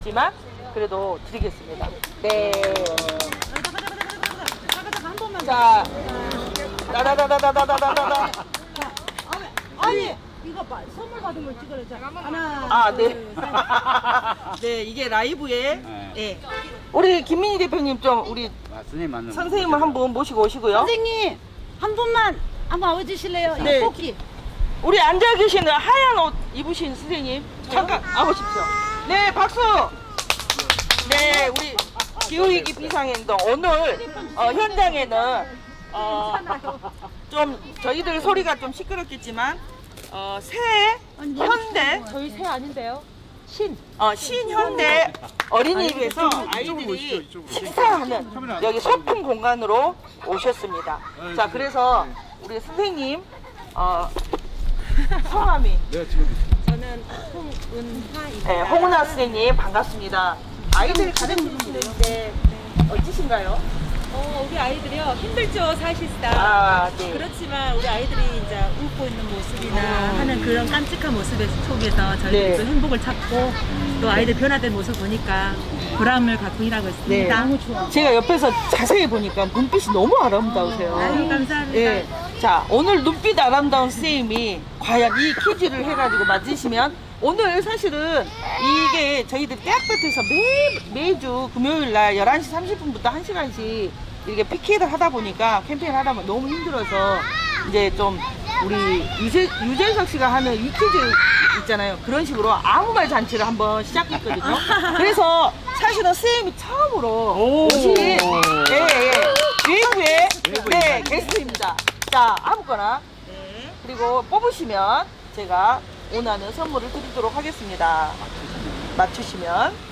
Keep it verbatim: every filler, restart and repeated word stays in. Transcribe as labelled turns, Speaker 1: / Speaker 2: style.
Speaker 1: 지만 그래도 드리겠습니다. 네. 자, 다다다다다다다다다.
Speaker 2: 아니 이거 봐, 선물 받은 걸 찍으자. 하나.
Speaker 1: 아, 네.
Speaker 2: 둘, 셋.
Speaker 1: 네, 이게 라이브에
Speaker 3: 네.
Speaker 1: 네. 우리 김민희 대표님 좀 우리
Speaker 3: 아, 선생님 맞는
Speaker 1: 선생님을 한 분 모시고 오시고요.
Speaker 2: 선생님 한 분만 한번 와주실래요?
Speaker 1: 네.
Speaker 2: 이 뽑기.
Speaker 1: 우리 앉아 계시는 하얀 옷 입으신 선생님 잠깐 나오십시오. 네, 박수. 네, 우리 기후위기 비상행동 오늘 어, 현장에는 어, 좀 저희들 소리가 좀 시끄럽겠지만 어, 새 현대
Speaker 2: 저희 새 아닌데요? 신.
Speaker 1: 어, 신현대 어린이집에서 아이들이 식사하는 여기 소품 공간으로 오셨습니다. 자, 그래서 우리 선생님 어, 성함이
Speaker 3: 네, 지금
Speaker 2: 저는 홍은하입니다.
Speaker 1: 네, 홍은아 선생님 반갑습니다. 아이들 가르치시는데 어떠신가요?
Speaker 4: 어, 우리 아이들이요 힘들죠 사실상.
Speaker 1: 아, 네.
Speaker 4: 그렇지만 우리 아이들이 이제 웃고 있는 모습이나
Speaker 1: 음.
Speaker 4: 하는 그런 깜찍한 모습 속에서 저희들이
Speaker 1: 네.
Speaker 4: 또 행복을 찾고 또 아이들 변화된 모습 보니까 보람을 갖고 일하고
Speaker 1: 네.
Speaker 4: 있습니다. 너무 좋아.
Speaker 1: 제가 옆에서 자세히 보니까 눈빛이 너무 아름다우세요.
Speaker 4: 아유, 감사합니다.
Speaker 1: 예. 자, 오늘 눈빛 아름다운 선생님이 과연 이 퀴즈를 해가지고 맞으시면 오늘 사실은 이게 저희들이 대학볕에서 매, 매주 금요일 날 열한 시 삼십 분부터 한 시간씩 이렇게 피켓을 하다 보니까 캠페인을 하다 보면 너무 힘들어서 이제 좀 우리 유재, 유재석 씨가 하는 이 퀴즈 있잖아요. 그런 식으로 아무 말 잔치를 한번 시작했거든요. 그래서 사실은 선생님이 처음으로 오신 예, 예, 외부의 네, 게스트입니다. 자, 아무거나 그리고 뽑으시면 제가 원하는 선물을 드리도록 하겠습니다. 맞추시면